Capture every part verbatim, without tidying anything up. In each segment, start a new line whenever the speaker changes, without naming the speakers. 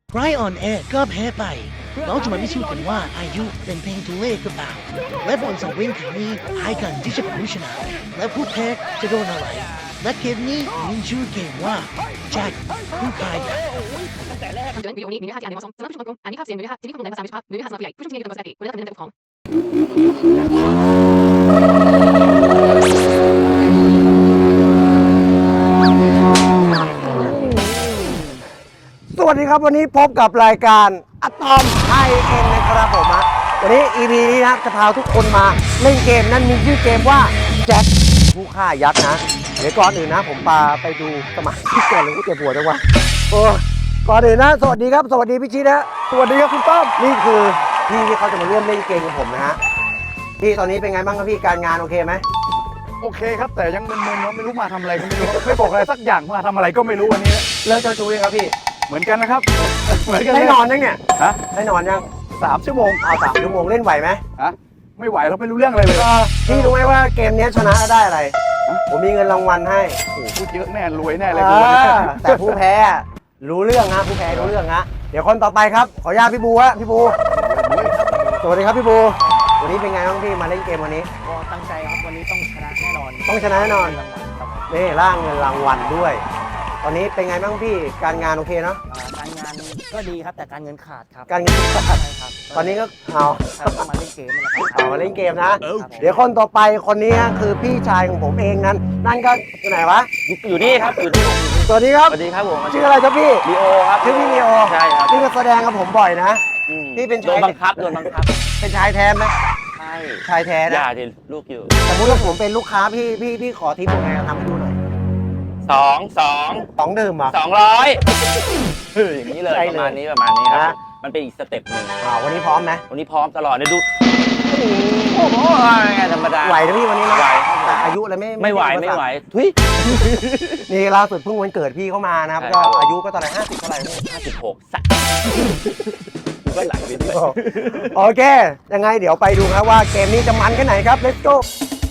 ใครอ่อนแอก็แพ้ไปเราจะมาพิสูจน์กันว่าอายุเป็นเพียงตัวเลขหรือเปล่าและบนสังเวียนครั้งนี้ให้กันที่จะเป็นผู้ชนะและผู้แพ้จะโดนอะไรและเกมนี้มีชื่อเกมว่าแจ็คผู้พายยักษ์
คำเตือนวิดีโอนี้มีเนื้อหาที่อาจไม่เหมาะสมสำหรับผู้ชมอันนี้ภาพเสียงหรือเนื้อหาที่มีข้อมูลในภาษาไม่สุภาพหรือเนื้อหาสำหรับผู้ใหญ่ผู้ชมที่มีกำลังใจควรได้รับคำแนะนำจากผู้ปกครอง
สวัสดีครับวันนี้พบกับรายการอะตอมไทยเอ็นนะครับผมนะวันนี้ อี พี นี้นะจะพาทุกคนมาเล่นเกมนั้นมีชื่อเกมว่าแจ็คผู้ฆ่ายักษ์นะเดี๋ยวก่อนอื่นนะผมปาไปดูสมาชิกก่อนเลยกูเจ็บหัวจังวะโอ้ก่อนอื่นนะสวัสดีครับสวัสดีพี่ชิดนะสวัสดีครับคุณต้อมนี่คือพี่ที่เขาจะมาร่วมเล่นเกมกับผมนะฮะพี่ตอนนี้เป็นไงบ้างครับพี่การงานโอเคไหม
โอเคครับแต่ยังมึนๆเราไม่รู้มาทำอะไรก็ไม่รู้ไม่บอกอะไรสักอย่างมาทำอะไรก็ไม่รู้วันนี้
เลิกเจ้าชู้ยังครับพี่
เหมือนกันนะครับเหมือนกัน
ได้นอนยังเนี่ย
ฮะ
ได้นอนยัง
สามชั่วโมง
เอาสามชั่วโมงเล่นไหวไหม
ฮะไม่ไหวเราไม่รู้เรื่องอะไรเลย
พี่รู้ไหมว่าเกมนี้ชนะได้อะไรผมมีเงินรางวัลให้
โอ้โหพูดเยอะแน่รวยแน่เลย
เออแต่ผู้แพ้รู้เรื่องนะผู้แพ้รู้เรื่องนะเดี๋ยวคนต่อไปครับขออนุญาตพี่บูฮะพี่บูสวัสดีครับพี่บูวันนี้เป็นไงบ้างพี่มาเล่นเกมวันนี้
ก็ตั้งใจครับวันนี้ต้องชนะแน่นอน
ต้องชนะแน่นอน
รางวัลครับ
นี่ร่างเงินรางวัลด้วย ตอนนี้เป็นไงบ้างพี่การงานโอเคเนาะ
อ่าการงานก็ดีครับแต่การเงินขาดครับ
การเงิน
ใช่ครับ
ตอนนี้ก็เอา
ครับก็มาเล่นเกมนี่แหละครับ
เอามาเล่นเกมนะ
ครับผม
เดี๋ยวคนต่อไปคนนี้คือพี่ชายของผมเองนั้นนั่นก็อยู่ไหนวะ
อยู่นี่ครับอยู่นี่
สวัสดีครับ
สวัสดีครับผม
ชื่ออะไรครับพี่
ลีโอครับ
ชื่อพี่ลีโอ
ใช่ครับ
พี่มาแสดงกับผมบ่อยนะ
อืม
พี่เป็นชาย
โดนบังคับโดนบังคับ
เป็นชายแท้ไหม
ใช่
ชายแท้
อ
นะ
ย่าดิลูกอยู่
สมมติว่าผมเป็นลูกค้าพี่พี่พี่ขอทิปยังไงทำให้ดูหน่อย
สองสอง
สองดื่มเหรอ่ะ
สองร้อยอย่างนี้เลย
ใช่
ป
เลย
ระมาณนี้ประมาณนี้ครับ
นะ
มันเป็นอีกสเต็ปหนึ่ง
อ่าวันนี้พร้อมไหม
วันนี้พร้อมตลอดเนี่ยดูโอ้โหไงธรรมดา
ไหวนะพี่วันนี้นะ
ไหวครับผม
แต่อายุอะไรไม่
ไม่ไหว
ใช่
ไม่ไหว
อุปสรร
ทุย
คนี่ล่าสุดเพิ่งวันเกิดพี่เข้ามานะครับ
ใช่
ก็
ครับ
อายุก็ตอนไหนห้าสิบเท่าไหร่พี่
ห้าสิบหกสักก็ไหลไปด้วย
โอเค ยังไงเดี๋ยวไปดูครับว่าเกมนี้จะมันแค่ไหนครับ let's go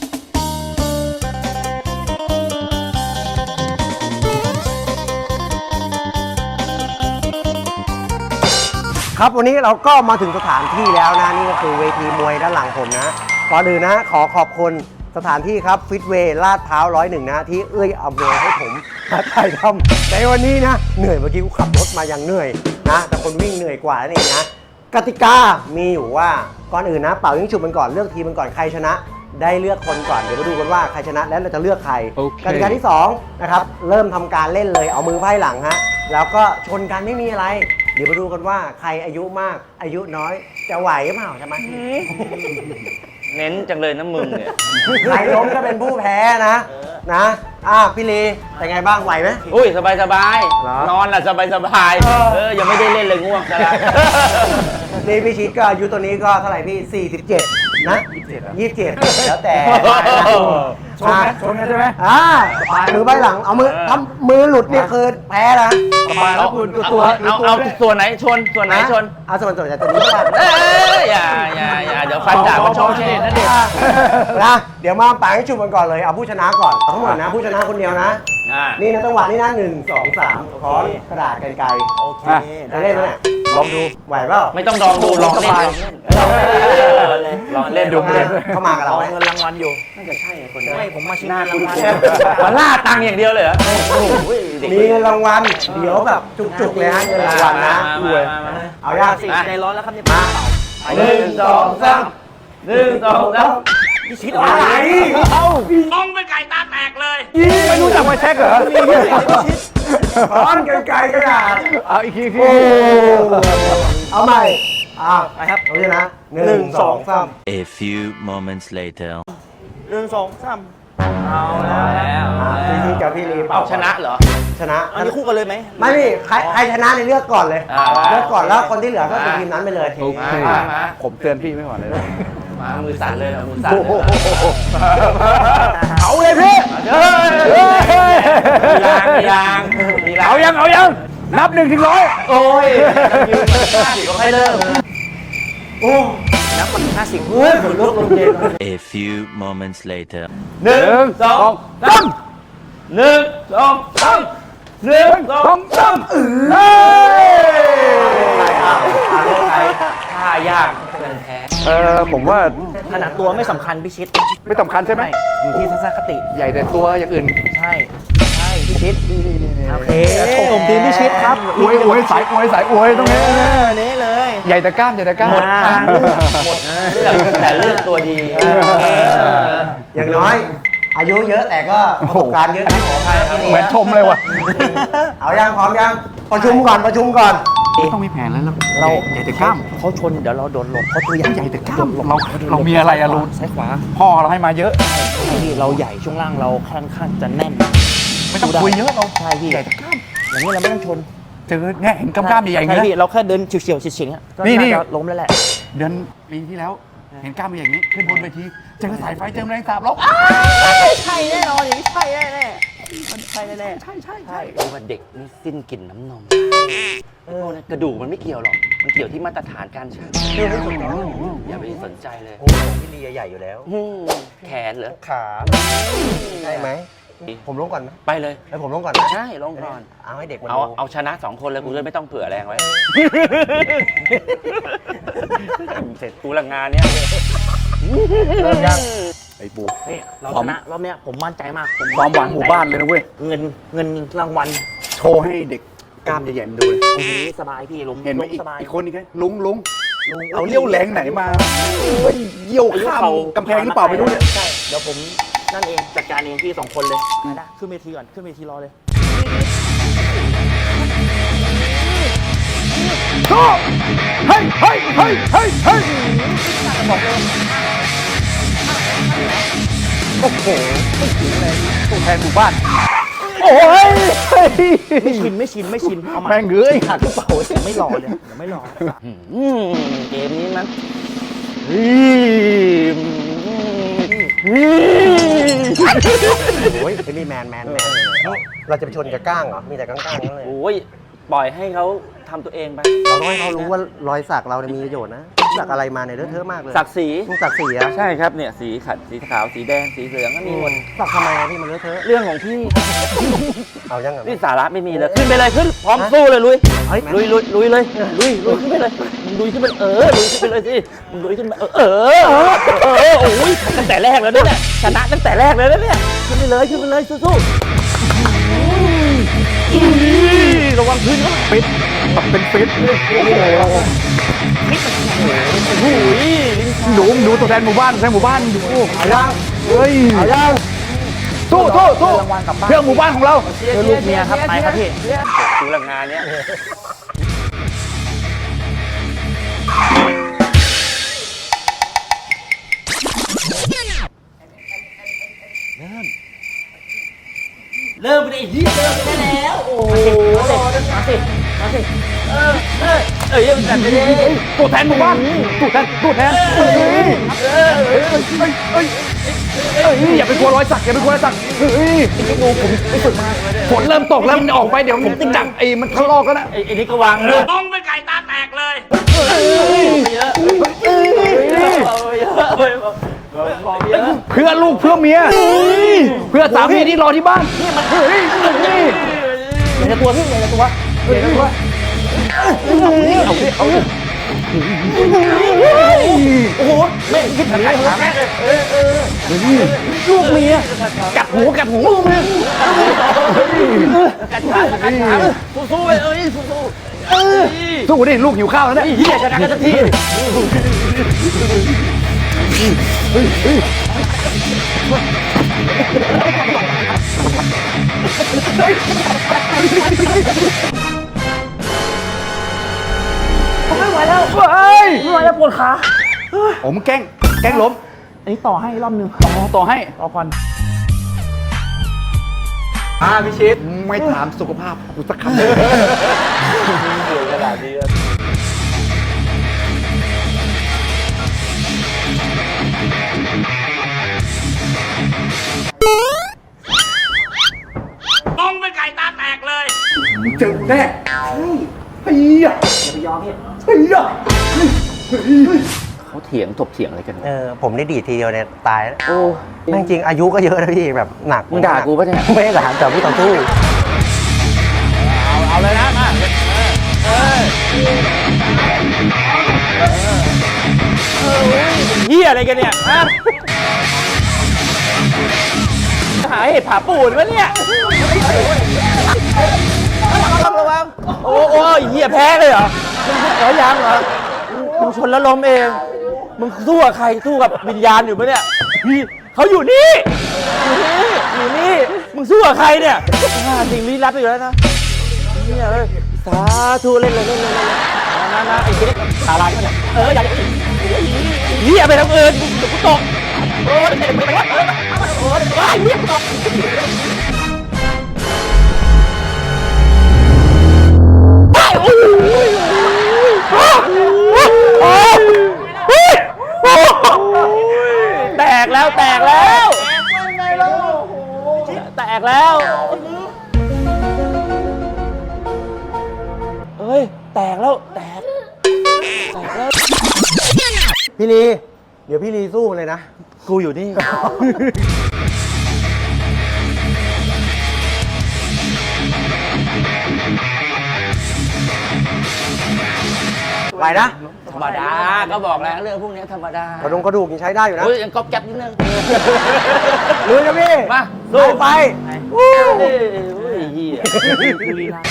ครับวันนี้เราก็มาถึงสถานที่แล้วนะนี่ก็คือเวทีมวยด้านหลังผมนะก่อนอื่นนะขอขอบคุณสถานที่ครับฟิตเวย์ลาดพร้าวร้อยหนึ่งนะที่เอื้อยอำนวยให้ผมมาถ่ายทำในวันนี้นะเหนื่อยเมื่อกี้กูขับรถมาอย่างเหนื่อยนะแต่คนวิ่งเหนื่อยกว่านั่นเองนะกติกามีอยู่ว่าก่อนอื่นนะเป่ายิงฉุบมันก่อนเลือกทีมมันก่อนใครชนะ ได้เลือกคนก่อนเดี๋ยวมาดูกันว่าใครชนะแล้วเราจะเลือกใครกติกาที่สองนะครับเริ่มทำการเล่นเลยเอามือไพ่หลังฮะแล้วก็ชนกันไม่มีอะไร เดี๋ยวมาดูกันว่าใครอายุมากอายุน้อยจะไหวหรือเปล่าใช่ไหม
เน้นจังเลยนะมึงเนี่ย
ใครล้มก็เป็นผู้แพ้นะนะอ่ะพี่ลีเป็นไงบ้างไหวไหม
อุ้ยสบายสบาย
เหรอ
นอนล่ะสบายสบาย
เออ
เออยังไม่ได้เล่นเลยง่วงซะแล้ว
นี่พี่ชิดก็อายุตัวนี้ก็เท่าไหร่พี่สี่สิบเจ็ดนะยี่สิบเจ็ดยี่สิบเจ็ดแล้วแต่
ชนไหมชนกันใช่ไหม
อ่ามือใบหลังเอามือทำมือหลุดนี่คือแพ้นะ
สบายแล้วคุณ
เอา
ตัว
เอาเอาส่วนไหนชนส่วนไหนชน
เอาส่วนส่วนจากตัวนี้ก่อน
เอ้ยอย่าอย่าอย่าเดี๋ยวฟันดาบมันชนเช่นะเด็ก
นะเดี๋ยวมาป่าให้ชุบกันก่อนเลยเอาผู้ชนะก่อนทั้งหมดนะผู้ชนะคนเดียวนะ
อ่า
นี่นะจังหวะนี้นะหนึ่งสองสามขอกระดาษกันไกล
โอเค
จะเล่นไหมเนี่ยลองดูไหวเปล่า
ไม่ต้องลองดูลองเล่น
ลองเล่น
ลองเล่นดูเล่น
เข้ามากับเรา
เอา
ไหม
เงินรางวัลอยู่
น่าจะใช่คนนี้
ไม่ผมมาชิงเงินรางวัล
มาล่าตังค์อย่างเดียวเลยเหรอโอ้โหเด็ก
มีเงินรางวัลเดี๋ยวแบบจุกๆเลยฮะเงินรางวัลนะ
รวย
เอายาก
สิใจร้อนแล้วครับเนี่ย
มา
หนึ่งสองสามหนึ่งสองสาม
พี่ชิด
อะไร
เอ้า
น้องเป็นไก่ตาแตกเลย
ไม่รู้จักไวแช็กเหรอ
ร้อนกันไกลกระดาษ
เอาอีกทีอีกที
โอ้เอาใหม่อ่า
ไปครับ
เอาเลยนะหนึ่งสองสาม
A few moments later.
หนึ่งสองสาม
เอาแล้ว
อ่าพี่ทีกับพี่ลีเป่า
เอาชนะเหรอ
ชนะ
อันนี้คู่กันเลยไหม
ไม่พี่ใครใครชนะในเลือกก่อนเลย
อ่า
เลือกก่อนแล้วคนที่เหลือก็เป็นทีมนั้นไปเลย
โอเค
มามา
ผมเตือนพี่ไม่ไหวเลยนะ
มามือสั่นเลยนะมือสั่นเลย
เอาเลยพี่
เฮ้ยมีลางมีลางมีลาง
เอายังเอายังนับหนึ่งถึงร้อย
โอ้ยยืนมาห้าสิบก็ให้เริ่ม
โอ้
นับคนห้าสิบ
เฮ้ยขนลุกลงเย็น
A few moments later.
หนึ่งสองสามหนึ่งสองสามหนึ่งสองสาม
เฮ้ย
เออผมว่า
ขนาดตัวไม่สำคัญพี่ชิด
ไม่สำคัญใช่ไหม
อยู่ที่ทัศนคติ
ใหญ่แต่ตัวอย่างอื่น
ใช่ใช่พี่ชิดโอเคผมทีมพี่ชิดครับ
อวยอวยสายอวยสายอวยตรงนี้
เออนี้เลย
ใหญ่แต่กล้ามใหญ่แต่กล้าม
หมดทางเลือกหมดเลือกแต่เลือกตัวดี
อย่างน้อย อายุเยอะแต่ก็ประสบการณ์เยอะนะขออภัยครับ
เหมือนชมเลยว่ะ
เอายังพร้อมยังประชุมก่อนประชุมก่อน
ต้องมีแผนแล้ว
เรา
ใหญ่แต่กล้าม
เขาชนเดี๋ยวเราโดนหลบเขาตัวใหญ่
ใหญ่แต่กล้ามเราเรามีอะไรอะรูน
ซ้ายขวา
พ่อเราให้มาเยอะ
พี่เราใหญ่ช่วงล่างเราค่อนข้างจะแน่น
ไม่ต้องคุยเยอะเรา
ใช่พี่
ใหญ่แต่กล้าม
อย่างนี้เราไม่ต้องชน
เจอเนี่ยเห็นกล้ามๆใหญ่ๆอย่าง
ใช่
นี้
พี่
นะ
เราแค่เดินเฉียวๆเฉียงๆอะก็
นี่นี่
น่าจะล้มแล้วแหละ
เดือนปีที่แล้ว เห็นกล้ามอย่างนี้ขึ้นบนเวทีเจอสายไฟเจอแมลงสาบแล้ว
ใช่แน่นอนอย่างนี้ใช่แน่แน่มันใช่แน่แน่
ใช่ใช่ใช่
รู้ว่าเด็กนี่สิ้นกลิ่นน้ำนมเออกระดูกมันไม่เกี่ยวหรอก มันเกี่ยวที่มาตรฐานการชั่งอย่าไปสนใจเลย
โอ้พี่ลีใหญ่อยู่แล้ว
อืมแขนเหรอ
ขาใช่ไหมผมลงก่อนไหม
ไปเลย
ให้ผมลงก่อนนะ
ใช่ลงก่อน
เอาให้เด็กมัน
เอา
ดู
เอาชนะสองคนเลยกูจะไม่ต้องเผื่อแรงไว้ เสร็จกูละงานเนี้ย
เริ่มยัง
ไอ้ปู
นี่เราชนะรอบเนี้ยผมมั่นใจมากผม
ความหวังหมู่บ้านเลยนะเว้ย
เงินเงินรางวัล
โชว์ให้เด็กกล้ามใหญ่ๆมันดูเลย
โอ้โหสบายพี่ล้ม
เห็นไหม
ล้
อีก
สบาย
อีกคนอีกไงลุงลุงเอาเลี้ยวแรงไหนมาเฮ้ยเยี่ยวข้ามกำแพงหรือเปล่าไม่รู้เนี่ย
ใช่เดี๋ยวผมนั่นเองจัดการเองพี่สองคนเลยได้ขึ้นเวทีก่อนขึ้นเวทีรอเลย
โชว์เฮ้ยเฮ้ยเฮ้ยเฮ้ยเฮ้ยโอ้โหตัวแทนหมู่บ้านโอ้ย
ไม่ชินไม่ชินไม่ชินเอาใหม่
แม่งเอ้ยหัก
กระเป๋าเดี๋ยวไม่รอเลยเดี๋ยวไม่รอ
อืมเกมนี้มัน
โอ้ยเป็นนี่แมนแมนแมนเราจะไปชนกับก้างเหรอ มีแต่ก้างๆนั่นเลย
โอ้ยปล่อยให้เขาทำตัวเองไป
เราต้องให้เขารู้ว่ารอยสักเราเนี่ยมีประโยชน์นะ สักอะไรมาเนี่ยเลอะเทอะมากเลย
ศักดิ์ศรี
มึงสักสีอะ
ใช่ครับเนี่ยสีขัดสีขาวสีแดงสีเหลืองก็มีหมด
สักทำไมอะพี่มันเลอะเทอะ
เรื่องของพี่
เอายังไง
นี่สาระไม่มีเลยขึ้นไปเลยขึ้นพร้อมสู้เลยลุย
เฮ้ย
ลุยลุยลุยเลยลุยลุยขึ้นไปเลยมึงลุยขึ้นไปเออลุยขึ้นไปเลยสิมึงลุยขึ้นไปเออเออเออเออโอ้ยตั้งแต่แรกแล้วเนี่ยชนะตั้งแต่แรกเลยนะเนี่ยขึ้นไปเลยขึ้นไปเลยสู้ๆระวังพื้นเขา
ฟิตแบบเป็นฟิตโอ้โห
โอ้ย
ดูดูตัวแทนหมู่บ้านตัวแทนหมู่บ้านดูเอายังเฮ้ยเอายังสู้สู้สู้เพื่อหมู่บ้านของเรา
เพื่อลูกเมียครับไปครับพี่
กูหลังงานเนี้ย
เริ่มไปไอ้เหี้ยเริ่มไปได้แล้วโอ้โหมาสิมาสิเออเออเอ้ยยังจัดไปเลย
ตัวแทนหมู่บ้านตัวแทนตัวแทนเฮ้ยเฮ้ยเฮ้ยเฮ้ยเฮ้ยอย่าไปกลัวรอยสักอย่าไปกลัวรอยสักเฮ้ยดูผมไปฝึกมาฝนเริ่มตกแล้วมันออกไปเดี๋ยวมันจับไอ้มันทะลอกกันนะ
ไอ้นี่ก็วางเลย
ต้องเป็นไก่ตาแตกเลย
เพื่อลูกเพื่อเมียเพื่อสามีที่รอที่บ้านนี่มันเฮ้ยนี่
อย่าจะตัวพี่อย่าจะตัว
เฮ้ยเอาดิเอาดิ
โอ้โหไม่คิดถึงเลยครับ
ลูกเมียกัดหูกัดหูลูกเมีย
กัดขากัดขาสู้ๆไปเอ้ยสู้
สู้ดิลูกหิวข้าวแล้วเนี่ย
ๆเหี้ยชนะกันสักที ไม่ไหวแล้ว
เฮ้ย
ไม่ไหวแล้วปวดขา
ผมแกล้งแกล้งล้ม
อันนี้ต่อให้รอบนึง
ต่อต่อให้
รอก่อน
อ่าพี่ชิดไม่ถามสุขภาพกูสักคำเลย
ต้องเป็นไก่ตาแตกเลย
เจอแน่เฮ้ย
อย่าไปยอมพี่
เฮ้ย
เขาเถียงถกเถียงอะไรกัน
เออผมได้ดีดทีเดียวเนี่ยตายแล้ว
โอ้
จริงๆอายุก็เยอะนะพี่แบบหนัก
มึงด่ากูปะเนี่ย
ไม่ได้ด่าแต่พี่ต่อสู้
เอาเลยนะมาเออเฮียอะไรกันเนี่ยฮะหาเห็ดผาปูนวะเนี่ยระวังโอ้โอ้เฮียแพ้เลยเหรอมึงเหรอยังเหรอมึงชนแล้วล้มเองมึงสู้กับใครสู้กับวิญญาณอยู่ปะเนี่ยพี่เขาอยู่นี่อยู่นี่อยู่นี่มึงสู้กับใครเนี่ยสิ่งลี้ลับอยู่แล้วนะเนี่ยเลยสาธุเล่นเลยเล่นเลยนะนะไอ้เด็กตาลายเนี่ยเอออย่าเฮียไปทางอื่นเดี๋ยวกูตกโอ้ยเด็กไปวะโอ้ยไอ้เฮียตกแตกแล้วแตกแล้วแตกแล้วเฮ้ยแตกแล้วแตกแตกแล้ว
พี่ลีเดี๋ยวพี่ลีสู้เลยนะ
กูอยู่นี่
ไหวนะ
ธรรมดาก็บอกแล้วเรื่องพวกนี้ธรรมดาก
ระดงกระดูกยังใช้ได้อยู่นะ
เฮ้ยยังก๊อบแก๊บนิดนึง
ลุยนะพี่
มาสู้
ไป
เฮ้ยเฮียกูลีลา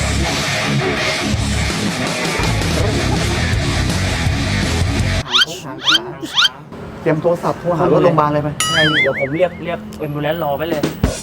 เตรียมโทรศัพท์โทรหารถโรงพยาบาลเลยไป
ไงเดี๋ยวผมเรียกเรียกเอ็มบูเลนซ์รอไว้เลย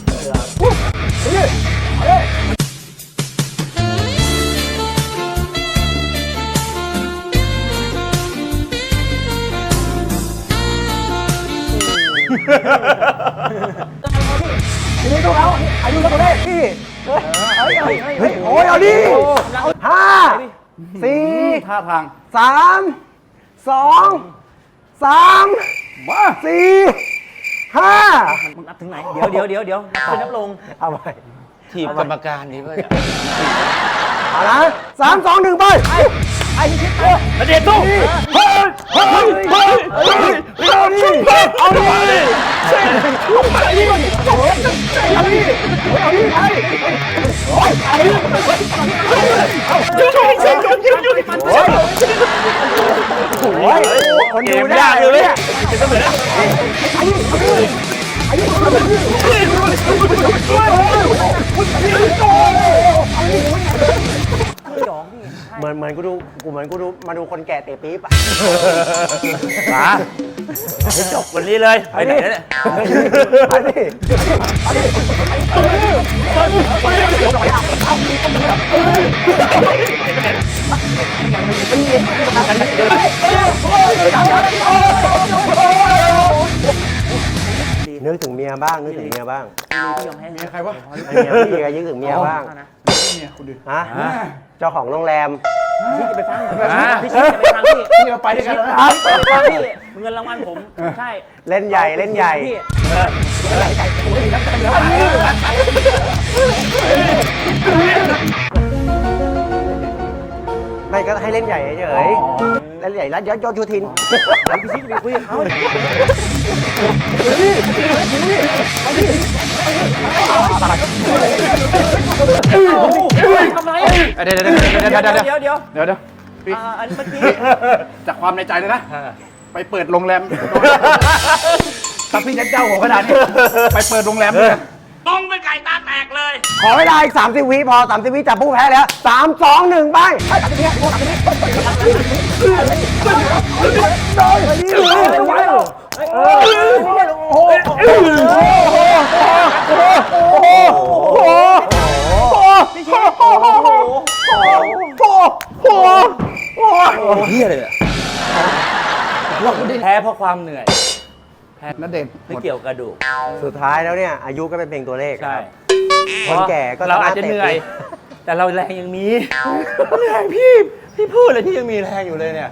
พี่ลีสู้เขาอายุเท่าตัวเลขพี่เฮ้ยเฮ้ยโอ้ยเอาดิห้าสี่
ท่าทาง
สามสองสามมาสี่ห้า
มึงนับถึงไหน เดี๋ยวเดี๋ยวเดี๋ยวเดี๋ยวนับนับลง
เอาไป
ทีมกรรมการนี่ก็จะ
เอาละสามสองหนึ่งไปไอ้ชิดตัว
มาเด็ดตู้
เฮ้ยเฮ้ยเฮ้ยเฮ้ยเอาดิเอาดิเอาดิเอาดิเอาดิเอาดิไอ้โอ้ยไอ้โอ้ยคนดูได้เลยเนี่ยเหมือนเหมือนกูดูกูเหมือนกูดูมาดูคนแก่เตะปี๊บอ่ะ
มาให้จบวันนี้เลยไปไหนเนี่ย
ไปดิไปดินึกถึงเมียบ้างนึกถึงเมียบ้าง
เมียใครวะ
เมียพี่ก็นึกถึงเมียบ้าง
เมียคุณดิ
ฮะเจ้าของโรงแรม
พี่จะไปฟังพี่ชิจะไปฟังพี่
พี่เราไปด้วยกันแล้วนะ
ไปฟังพี่เงินรางวัลผมใช่
เล่นใหญ่เล่นใหญ่
พี่
ไม่ก็ให้เล่นใหญ่เฉยๆเล่นใหญ่แล้วยอดยอดชูทิน
พี่ชิจะไปคุยกับเขา ทำไร
เดี๋ยวเดี๋ยวเดี๋ยวเดี๋ยวเดี๋ยว
เดี๋ยวเดี๋ยว
เดี๋ยวเดี๋ยวพี่
อันเมื่อกี้
จากความในใจเลยนะ ไปเปิดโรงแรมถ้าพี่จะเจ้าหัวขนาดนี้ไปเปิดโรงแรมด้วยกัน
ต้องเป็นไก่ตาแตกเลย
ขอเวลาอีกสามสิบวิพอสามสิบวิจับผู้แพ้แล้วสามสองหนึ่งไปสามสิบวิสามสิบวิโอ้โหโอ้โห
เฮียเลยอะแพ้เพราะความเหนื่อย
นั่นเด่น
ไม่เกี่ยวกระดูก
สุดท้ายแล้วเนี่ยอายุก็เป็นเพียงตัวเลข
ใช่
คนแก่ก็
เราอาจจะเหนื่อย แต่เราแรงยังมีแรงพี่ พี่พูดเลยที่ยังมีแรงอยู่เลยเนี่ย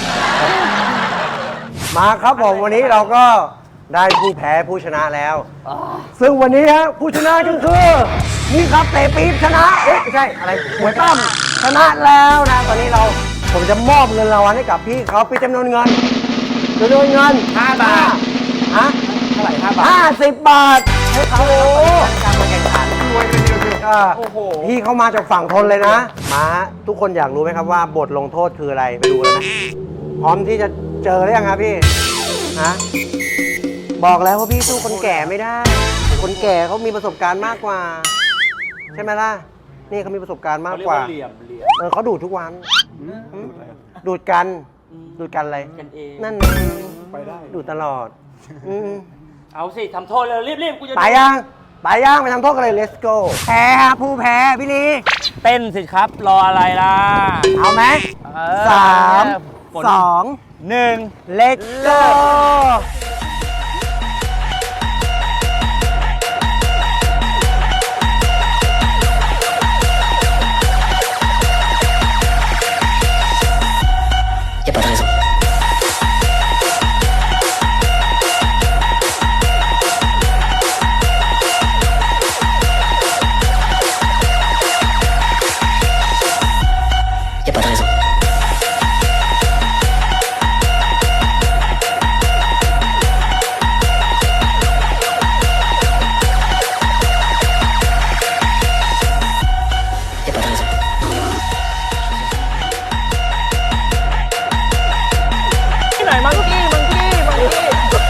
มาครับผมวันนี้เราก็ได้ผู้แพ้ผู้ชนะแล้ว ซึ่งวันนี้ฮะผู้ชนะก็คือนี่ครับเตะปี๊บชนะเอ๊ะไม่ใช่อะไรหวยตั้มชนะแล้วนะตอนนี้เราผมจะมอบเงินรางวัลให้กับพี่เขาเป็นจำนวนเงินจำนวนเงินห้าบาทฮะเท่าไหร่ห้าบาทห้าสิบบาทให้เขาการมาแข่งขันก็พี่เขามาจากฝั่งทนเลยนะมาทุกคนอยากรู้ไหมครับว่าบทลงโทษคืออะไรไปดูเลยนะพร้อมที่จะเจอหรือยังครับพี่ฮะบอกแล้วว่าพี่สู้คนแก่ไม่ได้ คนแก่เขามีประสบการณ์มากกว่า ใช่ไหมล่ะนี่เขามีประสบการณ์มากกว่า
เหลี่ยมเหลี่ยม
เออเขาดูดทุกวันดูดกัน ดูดกันอะไร
กันเอง
นั่นไงไปได้ดูดตลอดอืม
เอาสิทำโทษเลยรีบๆกูจะ
ไปยังไปยังไปทำโทษกันเลย let's go แพ้ครับผู้แพ้พี่ลี
เต้นสิครับ รออะไรล่ะ
เอาไหม
เออ
สาม
ฝน
สอง
หนึ่ง
let's go
ที่ไหนมังกี้มังกี้มังกี้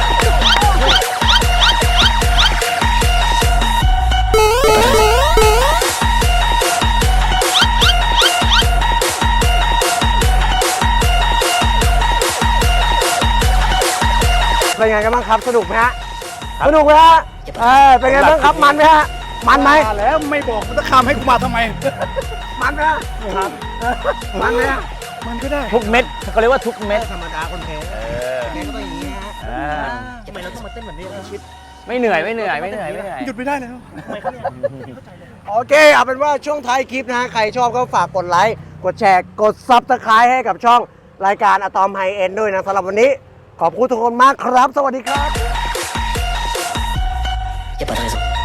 เป็นไงกันบ้างครับสนุกไหมฮะสนุกไหมฮะเออเป็นไงบ้างครับมันไหมฮะมันไหม
แล้วไม่บอกมันจะข้ามให้กูมาทำไม
มันไหมฮะครับมันไหมฮะ
มันก็ได้
ทุกเม็ดเขาเรียกว่าทุกเม็ด
ธรรมดาคนแพ้แพ้ก็ต้องอย่างนี้ฮะ
อ่า
ทำไมเราต้องมาเต้นแบบนี้ล่ะชิด
ไม่เหนื่อยไม่เหนื่อยไม่เหนื่อยไม่เหนื่อย
หยุดไม่ได้แล้ว
ทำไมเขาเนี่ยไม่เข้าใจเลย
โอเคเอาเป็นว่าช่วงท้ายคลิปนะฮะใครชอบก็ฝากกดไลค์กดแชร์กดซับสไครต์ให้กับช่องรายการอะตอมไฮเอ็นด้วยนะสำหรับวันนี้ ขอบคุณทุกคนมากครับ สวัสดีครับ
อย่าไปทำอะไร